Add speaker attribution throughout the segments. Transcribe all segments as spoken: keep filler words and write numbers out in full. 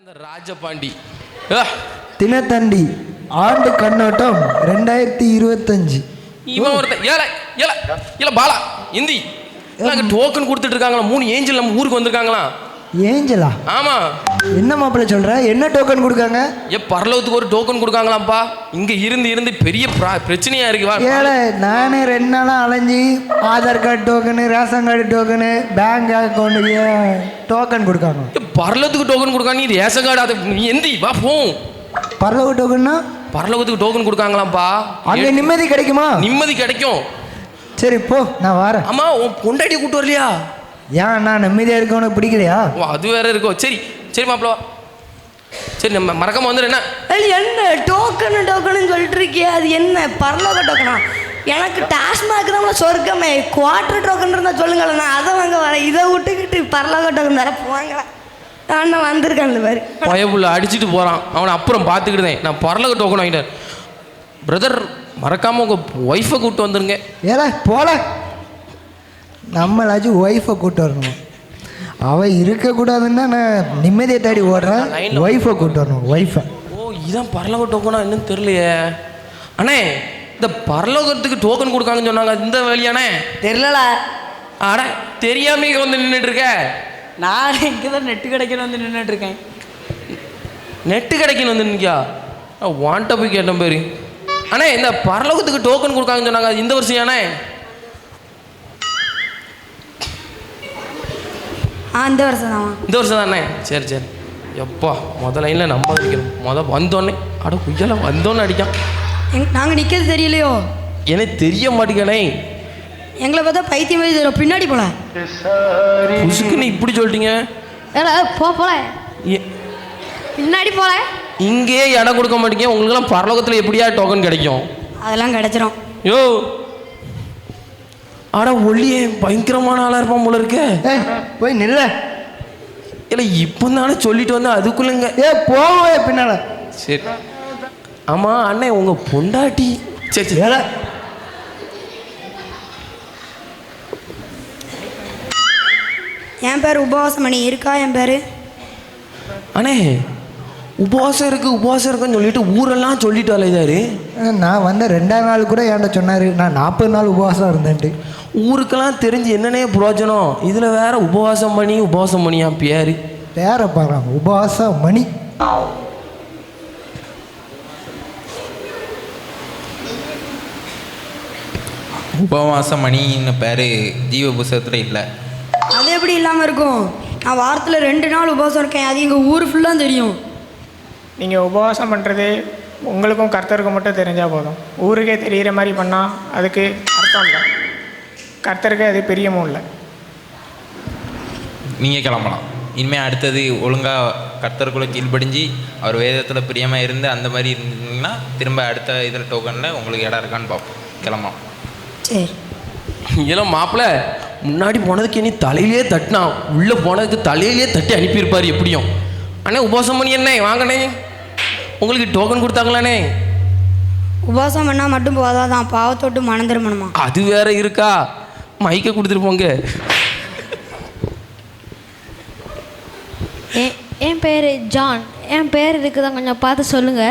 Speaker 1: இந்த ராஜபாண்டி
Speaker 2: தினத்தண்டி ஆண்டு கண்ணோட்டம் ரெண்டாயிரத்தி இருபத்தஞ்சு.
Speaker 1: இவன் ஒருத்தன் ஏல ஏல ஏல பாலா இந்தி டோக்கன் கொடுத்துட்டு இருக்காங்களா? மூணு ஏஞ்சல் நம்ம ஊருக்கு வந்திருக்காங்களா?
Speaker 2: ஏஞ்சலா?
Speaker 1: ஆமா.
Speaker 2: என்ன மாப்பிள்ள சொல்ற? என்ன டோக்கன் கொடுக்காங்க?
Speaker 1: ஏ பரலோகத்துக்கு ஒரு டோக்கன் கொடுக்காங்களாம்ப்பா. இங்க இருந்து இருந்து பெரிய பிரச்சனையா இருக்கு.
Speaker 2: ஏல நானே ரெண்டு நாளா அலைஞ்சி Aadhaar card token, ration card token, bank அக்கௌண்ட்டுக்கு டோக்கன் கொடுக்காங்க.
Speaker 1: பரலோகத்துக்கு டோக்கன் கொடுக்காங்க. நீ ரேஷன் கார்டு அதை நீ எந்தி வா போ.
Speaker 2: பரலோக டோக்கன்னா?
Speaker 1: பரலோகத்துக்கு டோக்கன் கொடுக்காங்களாம்ப்பா.
Speaker 2: அங்க நிம்மதி கிடைக்குமா?
Speaker 1: நிம்மதி கிடைக்கும்.
Speaker 2: சரி போ, நான் வரேன்.
Speaker 1: ஆமா, உன் பொண்டாட்டி கூட்டு வரலையா?
Speaker 2: ஏன் நான் நிம்மதியா இருக்க உனக்கு பிடிக்கலையா?
Speaker 1: ஓ அது வேற இருக்கோ. சரி சரி மாப்பிள, சரி நம்ம மறக்காம வந்துடு. என்ன
Speaker 3: என்ன டோக்கனு டோக்கனு சொல்லிட்டு இருக்கிய? அது என்ன பரலோக டோக்கனா? எனக்கு டாஸ்மாக் தான் சொர்க்கமே. குவார்டர் டோக்கன் இருந்தால் சொல்லுங்களேன், நான் அதை வாங்க வரேன். இதை விட்டுக்கிட்டு பரலோக டோக்கன் தர போவாங்களா? நான் வந்திருக்கேன். அந்த மாதிரி
Speaker 1: பயப்புள்ள அடிச்சுட்டு போகிறான். அவனை அப்புறம் பார்த்துக்கிட்டேன். நான் பரலோக டோக்கன் வாங்கிட்டேன். பிரதர் மறக்காமல் உங்கள் ஒய்ஃபை கூப்பிட்டு வந்துருங்க.
Speaker 2: ஏல போல, நம்மளாச்சும் ஒய்ஃபை கூப்பிட்டு வரணும். அவள் இருக்கக்கூடாதுன்னா நான் நிம்மதியை தேடி ஓடுறேன். ஒய்ஃபை கூப்பிட்டு வரணும். ஒய்ஃபை.
Speaker 1: ஓ இதான் பரலோக டோக்கனா? என்னன்னு தெரியலையே. அண்ணே இந்த பரலோகத்துக்கு டோக்கன் கொடுக்காங்கன்னு சொன்னாங்க. இந்த வழியானே
Speaker 3: தெரியல.
Speaker 1: அட தெரியாம வந்து நின்றுட்டு இருக்க.
Speaker 3: நான் இங்கே தான் நெட்டு கிடைக்கணும் வந்து நின்றுட்டு இருக்கேன்.
Speaker 1: நெட்டு கிடைக்கணும் வந்து நிற்கா வாண்ட போய் கேட்டேன் பேரு. அண்ணே இந்த பரலோகத்துக்கு டோக்கன் கொடுக்காங்கன்னு சொன்னாங்க. இந்த வருஷம் ஏனே?
Speaker 3: ஆ இந்த வருஷம் தான்.
Speaker 1: இந்த வருஷம் தானே? சரி சரி. எப்பா முத லைனில் நம்ம அடிக்கணும். முத வந்தோடனே அட குய்யால வந்தோன்னு அடிக்கான்.
Speaker 3: எங் நாங்கள் நிற்கிறது தெரியலையோ?
Speaker 1: எனக்கு தெரிய மாட்டேங்கனே.
Speaker 3: எங்களை பார்த்தா பைத்தியம் மாதிரி தெரியும். பின்னாடி போல
Speaker 1: புசுக்குன்னு இப்படி சொல்லிட்டீங்க.
Speaker 3: ஏடா போ போல பின்னாடி போல.
Speaker 1: இங்கேயே இடம் கொடுக்க மாட்டீங்க. உங்களுக்கெல்லாம் பரலோகத்தில் எப்படியா டோக்கன் கிடைக்கும்?
Speaker 3: அதெல்லாம் கிடைச்சிரும்.
Speaker 1: யோ ஆட ஒல்லியே பயங்கரமான ஆளாக இருப்பான் போல இருக்க.
Speaker 2: போய் நில்ல.
Speaker 1: இல்லை இப்போ தானே சொல்லிட்டு வந்தேன் அதுக்குள்ளங்க.
Speaker 2: ஏ போவே பின்னால.
Speaker 1: சரி ஆமாம் அண்ணே உங்கள் பொண்டாட்டி. சரி சரி
Speaker 2: ஏல
Speaker 3: என் பேர் உபவாசமணி. இருக்கா என் பேர்?
Speaker 1: அண்ணே உபவாசம் இருக்குது உபவாசம் இருக்குன்னு சொல்லிட்டு ஊரெல்லாம் சொல்லிட்டு அலைதாரு.
Speaker 2: நான் வந்த ரெண்டாம் நாள் கூட என்கிட்ட சொன்னார் நான் நாற்பது நாள் உபவாசம் இருந்தேன்ட்டு.
Speaker 1: ஊருக்கெல்லாம் தெரிஞ்சு என்னன்னே புரோஜனம். இதில் வேற உபவாசம் பண்ணி உபவாசம் பண்ணியா பேர்
Speaker 2: பேரை பாரு உபவாசம் மணி.
Speaker 4: உபவாசம் மணின்னு பேர் ஜீவ புஸ்தகத்தில் இல்லை.
Speaker 3: அது எப்படி இல்லாமல் இருக்கும்? நான் வாரத்தில் ரெண்டு நாள் உபவாசம் இருக்கேன். அது எங்கள் ஊர் ஃபுல்லாக தெரியும்.
Speaker 5: நீங்கள் உபவாசம் பண்ணுறது உங்களுக்கும் கர்த்தருக்கும் மட்டும் தெரிஞ்சால் போதும். ஊருக்கே தெரிகிற மாதிரி பண்ணால் அதுக்கு அர்த்தம் இல்லை. கர்த்தருக்கு அது பிரியமும் இல்லை.
Speaker 4: நீங்கள் கிளம்பலாம். இனிமேல் அடுத்தது ஒழுங்காக கர்த்தருக்குள்ளே கீழ்ப்படிஞ்சு அவர் வேதத்தில் பிரியமாக இருந்து அந்த மாதிரி இருந்தீங்கன்னா திரும்ப அடுத்த இதில் டோக்கனில் உங்களுக்கு இடம் இருக்கான்னு பார்ப்போம். கிளம்பலாம்.
Speaker 3: சரி.
Speaker 1: இதெல்லாம் மாப்பிள்ள முன்னாடி போனதுக்கு இனி தலையிலே தட்டினா உள்ளே போனதுக்கு தலையிலே தட்டி அனுப்பியிருப்பார் எப்படியும். அண்ணே உபவாசம் பண்ணி என்ன வாங்கண்ணே உங்களுக்கு டோக்கன் கொடுத்தாங்களாண்ணே?
Speaker 3: உபவாசம் பண்ணால் மட்டும் போதாதான், பாவத்தோட்டு மனம் திரும்பணுமா?
Speaker 1: அது வேற இருக்கா? மைக்க கொடுத்துட்டு போங்க.
Speaker 6: என் பேர் ஜான். என் பேர் இருக்குதான், கொஞ்சம் பார்த்து சொல்லுங்க.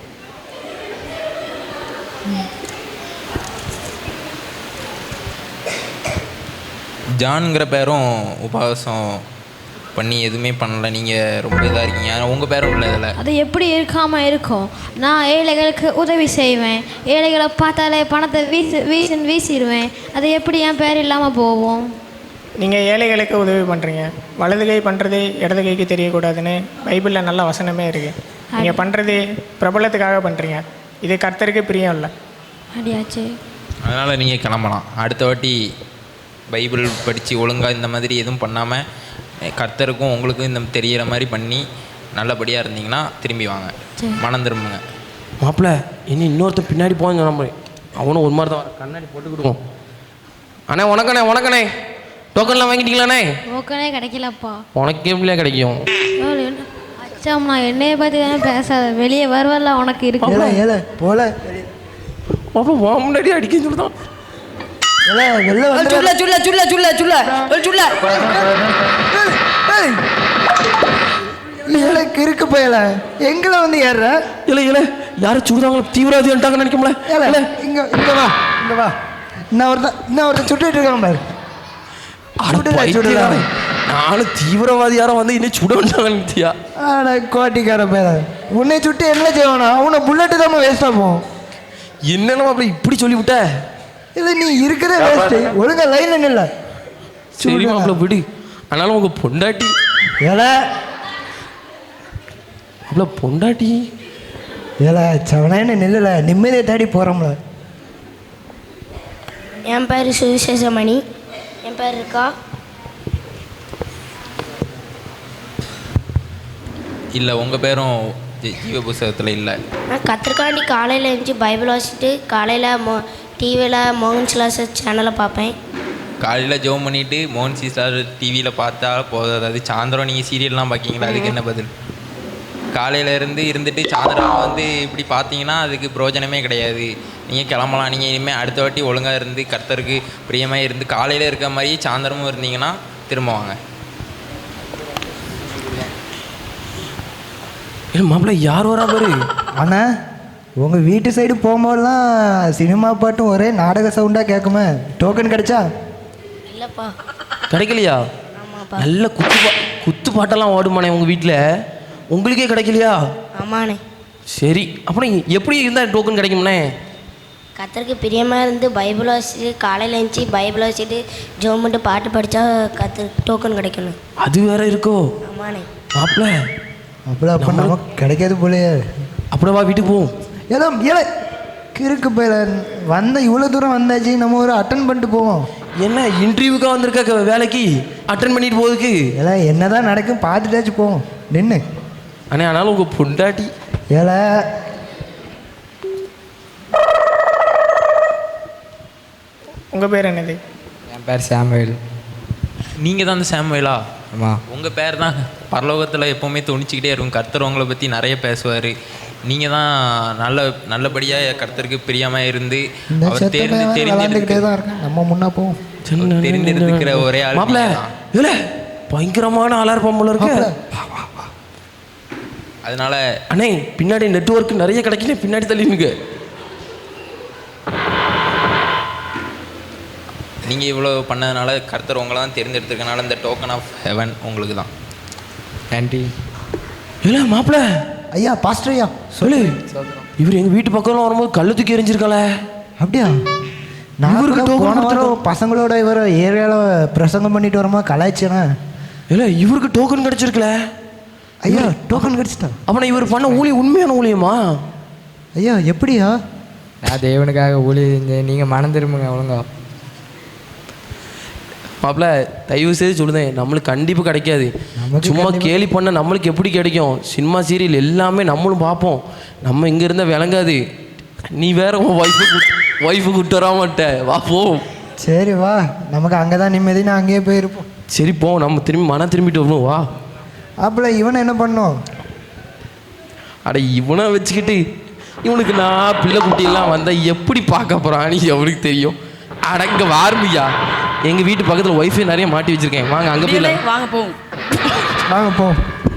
Speaker 4: ஜான்ங்கிற பேரும் உபவாசம் பண்ணி எதுவுமே பண்ணலை. நீங்கள் ரொம்ப இதாக இருக்கீங்க. உங்கள் பேரும் இல்லை இதில்.
Speaker 6: அது எப்படி இருக்காமல் இருக்கும்? நான் ஏழைகளுக்கு உதவி செய்வேன். ஏழைகளை பார்த்தாலே பணத்தை வீசி வீசி வீசிடுவேன். அது எப்படி என் பேர் இல்லாமல் போவோம்?
Speaker 5: நீங்கள் ஏழைகளுக்கு உதவி பண்ணுறீங்க. வலது கை பண்ணுறது இடது கைக்கு தெரியக்கூடாதுன்னு பைபிளில் நல்ல வசனமே இருக்குது. நீங்கள் பண்ணுறது பிரபலத்துக்காக பண்ணுறீங்க. இது கர்த்தருக்கு பிரியம் இல்லை.
Speaker 6: அப்படியாச்சு.
Speaker 4: அதனால் நீங்கள் கிளம்பலாம். அடுத்த வாட்டி பைபிள் படித்து ஒழுங்காக இந்த மாதிரி எதுவும் பண்ணாமல் கர்த்தருக்கும் உங்களுக்கும் இந்த தெரிகிற மாதிரி பண்ணி நல்லபடியாக இருந்தீங்கன்னா திரும்பி வாங்க. மனம் திரும்புங்க.
Speaker 1: மாப்பிள்ள இனி இன்னொருத்தன் பின்னாடி போன்னு சொன்ன மாதிரி அவனும் ஒரு மாதிரி தான் வர. கண்ணாடி போட்டு கொடுக்கும். அண்ணே உனக்கண்ணே உனக்கண்ணே டோக்கன்லாம் வாங்கிட்டீங்களாண்ணே?
Speaker 6: டோக்கனே கிடைக்கலப்பா.
Speaker 1: உனக்கு எப்படியா கிடைக்கும்?
Speaker 6: அச்சாம் நான் என்னைய பற்றி தானே பேசாத. வெளியே வருவல்ல உனக்கு இருக்கு.
Speaker 2: ஏல போல
Speaker 1: அப்போ வா முன்னாடி அடிக்க சொல்லுதான்.
Speaker 2: வெளில வந்து
Speaker 3: சுல்ல சுல்ல சுல்ல சுல்ல சுல்ல சுல்ல
Speaker 2: ஏழை கிறுக்கு போயல எங்களை வந்து ஏறுற
Speaker 1: இல்லை இல்லை யாரும் சுடுதாங்களோ தீவிரவாதி வந்துட்டாங்கன்னு நினைக்கும்ல.
Speaker 2: ஏல
Speaker 1: இல்லை
Speaker 2: இங்க இங்க வா இங்க வா இன்னும் ஒருத்தன் இன்னும் ஒருத்தன் சுட்டுட்டு இருக்கான் பாரு. சுடுடா, சுடுடா.
Speaker 1: நானும் தீவிரவாதி யாரும் வந்து இன்னும் சுட வந்துட்டாங்கன்னு.
Speaker 2: ஆனா கோட்டிக்கார பேர உன்னை சுட்டு என்ன செய்வானா அவனை புல்லட்டு தான் வேஸ்டா போகும்.
Speaker 1: என்னென்ன அப்படி இப்படி சொல்லிவிட்ட?
Speaker 2: இல்லை நீ இருக்கிற வேஸ்ட் ஒழுங்கா லைன் இல்லை.
Speaker 1: சரி மாப்பிள்ள விடு. ஆனாலும் உங்க பொண்டாட்டி
Speaker 2: ஏல
Speaker 1: மாப்பிள்ள பொண்டாட்டி
Speaker 2: ஏல சவனான்னு நெல்லில் நிம்மதியை தேடி போகிறோம்ல.
Speaker 3: என் பேர் சுவிசேஷமணி. என் பேர் இருக்கா?
Speaker 4: இல்லை உங்கள் பேரும் ஜீ- ஜீவ புஸ்தகத்தில் இல்லை.
Speaker 3: நான் கத்திரிக்காண்டி காலையில் எழுந்துச்சி பைபிள் வாசிச்சுட்டு காலையில் மோ டிவியில் மோகன் சிலாஸ் சேனலை பார்ப்பேன்.
Speaker 4: காலையில் ஜோம் பண்ணிவிட்டு மோகன் சி ஸ்டார் டிவியில் பார்த்தா போதாது. அது சாயந்தரம் நீங்கள் சீரியல்லாம் பார்க்கிங்களா, அதுக்கு என்ன பதில்? காலையில் இருந்து இருந்துட்டு சாயந்தரம் வந்து இப்படி பார்த்தீங்கன்னா அதுக்கு பிரயோஜனமே கிடையாது. நீங்கள் கிளம்பலாம். நீங்கள் இனிமேல் அடுத்த வாட்டி ஒழுங்காக இருந்து கர்த்தருக்கு பிரியமாக இருந்து காலையில் இருக்க மாதிரியே சாயந்தரமும் இருந்தீங்கன்னா திரும்ப வாங்க.
Speaker 1: மாப்பிள்ள யார் வரா பாரு.
Speaker 2: ஆனால் உங்கள் வீட்டு சைடு போகும்போதெல்லாம் சினிமா பாட்டும் ஒரே நாடக சவுண்டாக கேட்குமே. டோக்கன் கிடைச்சா?
Speaker 3: இல்லைப்பா.
Speaker 1: கிடைக்கலையா?
Speaker 3: ஆமாப்பா.
Speaker 1: நல்ல குத்து பா குத்து பாட்டெல்லாம் ஓடுமானே உங்கள் வீட்டில், உங்களுக்கே கிடைக்கலையா?
Speaker 3: ஆமாண்ணே.
Speaker 1: சரி அப்புறம் எப்படி இருந்தால் டோக்கன் கிடைக்கும்ண்ணே?
Speaker 3: கத்தருக்கு பிரியமாக இருந்து பைபிள் வாசிட்டு காலையில் எழுந்துச்சி பைபிள் வாசிட்டு ஜோம் பண்ணிட்டு பாட்டு படித்தா கத்து டோக்கன் கிடைக்கணும்.
Speaker 1: அது வேற இருக்கோ?
Speaker 3: ஆமாண்ணே.
Speaker 1: மாப்பிள்ள
Speaker 2: அப்படி அப்போ நமக்கு கிடைக்காது போலையே.
Speaker 1: அப்படியே வா வீட்டுக்கு போவோம்.
Speaker 2: ஏதோ ஏழை கிறுக்கு போயில வந்த இவ்வளோ தூரம் வந்தாச்சு, நம்ம ஒரு அட்டன் பண்ணிட்டு போவோம்.
Speaker 1: என்ன இன்டர்வியூக்காக வந்திருக்க வேலைக்கு அட்டன் பண்ணிட்டு போகுதுக்கு?
Speaker 2: ஏல என்னதான் நடக்கும் பார்த்துட்டாச்சு போவோம். நின்று
Speaker 1: அண்ணே ஆனாலும் உங்கள் பொண்டாட்டி
Speaker 2: ஏல
Speaker 5: உங்கள் பேர் என்னது?
Speaker 7: என் பேர் சாமுவேல்.
Speaker 4: நீங்கள் தான் அந்த சாமுவேலா?
Speaker 7: ஆமாம்.
Speaker 4: உங்கள் பேர் தான் பரலோகத்தில் எப்போவுமே துணிச்சிக்கிட்டே இருக்கும். கர்த்தர் உங்களை பற்றி நிறைய பேசுவார். நீங்கள் தான் நல்ல நல்லபடியாக கர்த்தருக்கு பிரியமாக இருந்து
Speaker 2: இந்த
Speaker 4: அவர்
Speaker 2: செத்த
Speaker 4: தெரிந்து
Speaker 2: விளாண்டுக்கிட்டே
Speaker 4: தெரிந்து
Speaker 2: தான் இருக்கேன். நம்ம முன்னா போவோம்.
Speaker 4: தெரிந்திருக்கிற ஒரே ஆள்
Speaker 1: மாப்பிள்ள
Speaker 4: நீங்கதான்.
Speaker 1: இல்லை பயங்கரமான ஆளா இருப்பான் போல இருக்கு.
Speaker 4: அதனால
Speaker 1: அண்ணே பின்னாடி நெட்வொர்க் நிறைய கிடைக்கல, பின்னாடி தள்ளினுங்க.
Speaker 4: நீங்கள் இவ்வளோ பண்ணதுனால கர்த்தர் உங்களை தான் தேர்ந்தெடுத்திருக்கனால இந்த டோக்கன் ஆஃப் ஹெவன் உங்களுக்கு தான்.
Speaker 7: நன்றி.
Speaker 1: இல்லை மாப்பிள்ள
Speaker 2: ஐயா பாஸ்டர் ஐயா
Speaker 1: சொல்லு. இவர் எங்கள் வீட்டு பக்கம்லாம் வரும்போது கல்லு தூக்கி எரிஞ்சிருக்காளே.
Speaker 2: அப்படியா? நான்
Speaker 1: இவருக்கு
Speaker 2: கூட
Speaker 1: token
Speaker 2: போன
Speaker 1: கொடுத்துருக்கோம்.
Speaker 2: வாரம் பசங்களோட இவர் ஏரியாவில் பிரசங்கம் பண்ணிட்டு வரமா கலாய்ச்சேனா.
Speaker 1: இல்லை இவருக்கு டோக்கன் கிடைச்சிருக்கல.
Speaker 2: ஐயா டோக்கன் கிடைச்சிட்டா?
Speaker 1: அப்போ இவர் பண்ண ஊழியம் உண்மையான ஊழியமா?
Speaker 2: ஐயா எப்படியா?
Speaker 7: நான் தேவனுக்காக ஊழி செஞ்சேன். நீங்கள் மனம் திரும்புங்க ஒழுங்கா.
Speaker 1: மாப்பிள்ள தயவு செய்து சொல்லுதேன், நம்மளுக்கு கண்டிப்பாக கிடைக்காது.
Speaker 2: நமக்கு
Speaker 1: சும்மா
Speaker 2: கண்டிப்பா-
Speaker 1: கேலி பண்ண நம்மளுக்கு எப்படி கிடைக்கும்? சினிமா சீரியல் எல்லாமே நம்மளும் பார்ப்போம். நம்ம இங்கே இருந்தால் விளங்காது. நீ வேற உன் ஒய்ஃபு ஒய்ஃபு கூட்டு வர மாட்ட. வா போ.
Speaker 2: சரி வா, நமக்கு அங்கே தான் நிம்மதி, நான் அங்கேயே போயிருப்போம்.
Speaker 1: சரி போ, நம்ம திரும்பி மனம் திரும்பிட்டு வரணும். வா.
Speaker 2: அப்பல இவனை என்ன பண்ணோம்?
Speaker 1: அட இவனை வச்சுக்கிட்டு இவனுக்கு நான் பிள்ளை குட்டியெல்லாம் வந்தால் எப்படி பார்க்க போகிறான் நீ எவனுக்கு தெரியும். அடங்க வார்மியா, எங்கள் வீட்டு பக்கத்தில் ஒய்ஃபை நிறைய மாட்டி வச்சுருக்கேன். வாங்க அங்கே போய்
Speaker 8: வாங்க போவோம்.
Speaker 2: வாங்க போ.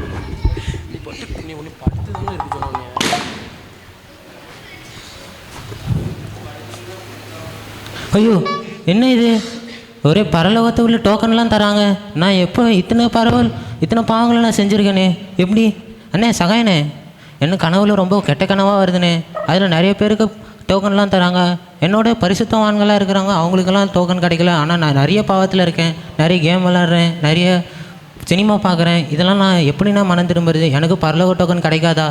Speaker 9: ஐயோ என்ன இது, ஒரே பரலோகத்தை உள்ள டோக்கன்லாம் தராங்க. நான் எப்போ இத்தனை பரவல் இத்தனை பாவங்களை நான் செஞ்சுருக்கேனே. எப்படி அண்ணே சகாயண்ணே, என்ன கனவுல ரொம்ப கெட்ட கனவாக வருதுண்ணே. அதில் நிறைய பேருக்கு டோக்கன்லாம் தராங்க. என்னோட பரிசுத்தவான்களாக இருக்கிறாங்க, அவங்களுக்கெல்லாம் டோக்கன் கிடைக்கல. ஆனால் நான் நிறைய பாவத்தில் இருக்கேன், நிறைய கேம் விளாட்றேன், நிறைய சினிமா பார்க்குறேன். இதெல்லாம் நான் எப்படி நான் மனம் திரும்புறது? எனக்கு பரலோக டோக்கன் கிடைக்காதா?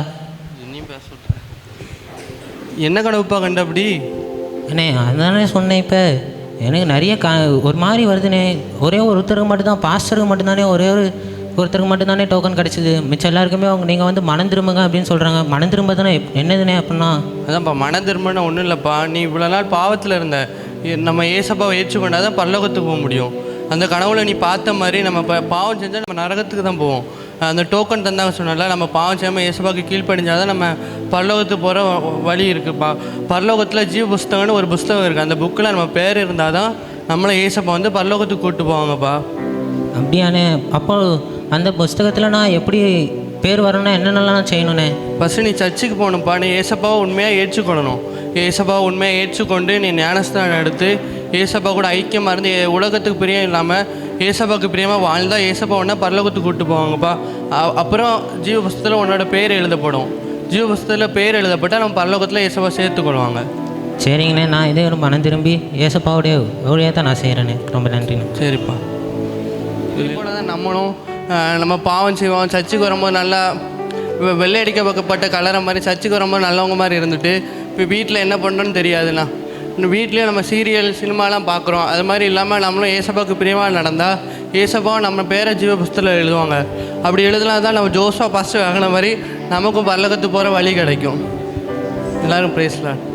Speaker 10: என்ன கனவுப்பா கண்ட அப்படி?
Speaker 9: அண்ணே அதானே சொன்னேன். இப்போ எனக்கு நிறைய க ஒரு மாதிரி வருதுண்ணே. ஒரே ஒருத்தருக்கு மட்டும்தான், பாஸ்டருக்கு மட்டும்தானே, ஒரே ஒரு ஒருத்தருக்கு மட்டும்தானே டோக்கன் கிடச்சிது. மிச்சம் எல்லாருக்குமே அவங்க நீங்கள் வந்து மனம் திரும்புங்க அப்படின்னு சொல்கிறாங்க. மனம் திரும்ப தானே என்னதுண்ணே அப்படின்னா?
Speaker 10: அதான்ப்பா மன திரும்பினா ஒன்றும் இல்லைப்பா. நீ இவ்வளோ நாள் பாவத்தில் இருந்த, நம்ம ஏசப்பாவை ஏற்றுக்கொண்டா தான் பரலோகத்துக்கு போக முடியும். அந்த கனவுல நீ பார்த்த மாதிரி நம்ம இப்போ பாவம் செஞ்சால் நம்ம நரகத்துக்கு தான் போவோம். அந்த டோக்கன் தந்தாங்க சொன்னால நம்ம பாவம் செய்யாமல் ஏசப்பாவுக்கு கீழ்ப்படிஞ்சால் தான் நம்ம பரலோகத்துக்கு போகிற வழி இருக்குதுப்பா. பரலோகத்தில் ஜீவ புஸ்தகம்னு ஒரு புஸ்தகம் இருக்குது. அந்த புக்கில் நம்ம பேர் இருந்தால் தான் நம்மளை ஏசப்பா வந்து பரலோகத்துக்கு கூப்பிட்டு போவாங்கப்பா.
Speaker 9: அப்படியாண்ணே? அப்போ அந்த புஸ்தகத்தில் நான் எப்படி பேர் வரணும்னா என்னென்னலாம் செய்யணுண்ணே?
Speaker 10: ஃபஸ்ட்டு நீ சர்ச்சுக்கு போகணும்ப்பா. நீ ஏசப்பாவை உண்மையாக ஏற்றுக்கொள்ளணும். ஏசப்பாவை உண்மையாக ஏற்றுக்கொண்டு நீ ஞானஸ்தானம் எடுத்து ஏசப்பா கூட ஐக்கியமாக இருந்து உலகத்துக்கு பிரியம் இல்லாமல் ஏசப்பாவுக்கு பிரியமாக வாழ்ந்தால் ஏசப்பா உடனே பரலோகத்துக்கு கூப்பிட்டு போவாங்கப்பா. அப்புறம் ஜீவ புஸ்தகத்தில் உன்னோட பேர் எழுதப்படும். ஜீவ புஸ்தகத்தில் பேர் எழுதப்பட்டால் நம்ம பரலோகத்தில் ஏசப்பா சேர்த்துக்கொள்வாங்க.
Speaker 9: சரிங்கண்ணே, நான் இதே ஒரு மனம் திரும்பி ஏசப்பாவுடைய ஊழியாக தான் நான் செய்கிறேண்ணே. ரொம்ப நன்றிண்ணே.
Speaker 10: சரிப்பா. இது கூட தான் நம்மளும் நம்ம பாவம் செய்வோம். சர்ச்சுக்கு வரும்போது நல்லா வெள்ளை அடிக்கப்பட்ட கலரை மாதிரி சர்ச்சுக்கு வரும்போது நல்லவங்க மாதிரி இருந்துட்டு இப்போ வீட்டில் என்ன பண்ணுறோன்னு தெரியாதுண்ணா. இன்னும் வீட்லேயும் நம்ம சீரியல் சினிமாலாம் பார்க்குறோம். அது மாதிரி இல்லாமல் நம்மளும் ஏசப்பாவுக்கு பிரியமாக நடந்தால் ஏசப்பா நம்ம பேரை ஜீவ புஸ்தகத்தில் எழுதுவாங்க. அப்படி எழுதலாம் தான் நம்ம ஜோஸா ஃபஸ்ட்டு வாங்கின மாதிரி நமக்கும் பரலோகத்துக்கு போகிற வழி கிடைக்கும். எல்லோரும் ப்ரைஸ்லாம்.